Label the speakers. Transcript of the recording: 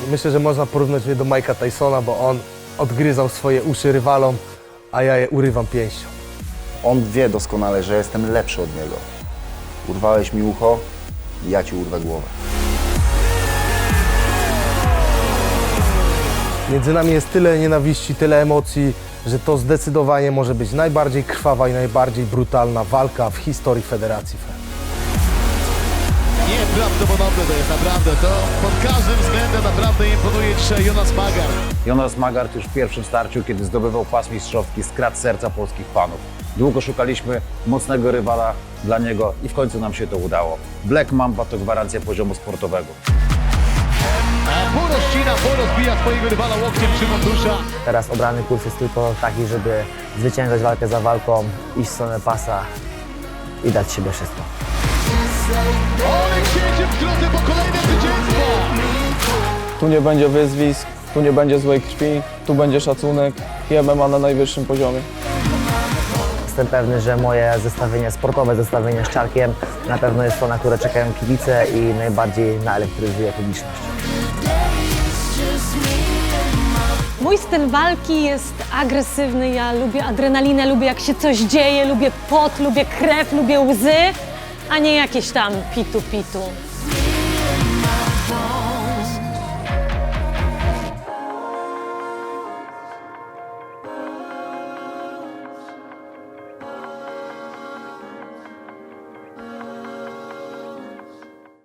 Speaker 1: Myślę, że można porównać mnie do Mike'a Tysona, bo on odgryzał swoje uszy rywalom, a ja je urywam pięścią.
Speaker 2: On wie doskonale, że jestem lepszy od niego. Urwałeś mi ucho, ja ci urwę głowę.
Speaker 1: Między nami jest tyle nienawiści, tyle emocji, że to zdecydowanie może być najbardziej krwawa i najbardziej brutalna walka w historii Federacji FEM.
Speaker 3: Nieprawdopodobne to jest naprawdę, to pod każdym względem naprawdę imponuje dzisiaj Jonas Magart.
Speaker 4: Jonas Magart już w pierwszym starciu, kiedy zdobywał pas mistrzowski, skradł serca polskich fanów. Długo szukaliśmy mocnego rywala dla niego i w końcu nam się to udało. Black Mamba to gwarancja poziomu sportowego.
Speaker 3: Porozcina, porozbija swojego rywala łokciem Szymon Dusza.
Speaker 5: Teraz obrany kurs jest tylko taki, żeby zwyciężać walkę za walką, iść w stronę pasa i dać siebie wszystko.
Speaker 3: Olek siedzi w drodze po kolejne zwycięstwo.
Speaker 6: Tu nie będzie wyzwisk, tu nie będzie złej krwi, tu będzie szacunek i MMA na najwyższym poziomie.
Speaker 5: Jestem pewny, że moje zestawienie sportowe, zestawienie z Czarkiem na pewno jest to, na które czekają kibice i najbardziej naelektryzuje publiczność.
Speaker 7: Mój styl walki jest agresywny, ja lubię adrenalinę, lubię jak się coś dzieje, lubię pot, lubię krew, lubię łzy, a nie jakieś tam pitu-pitu.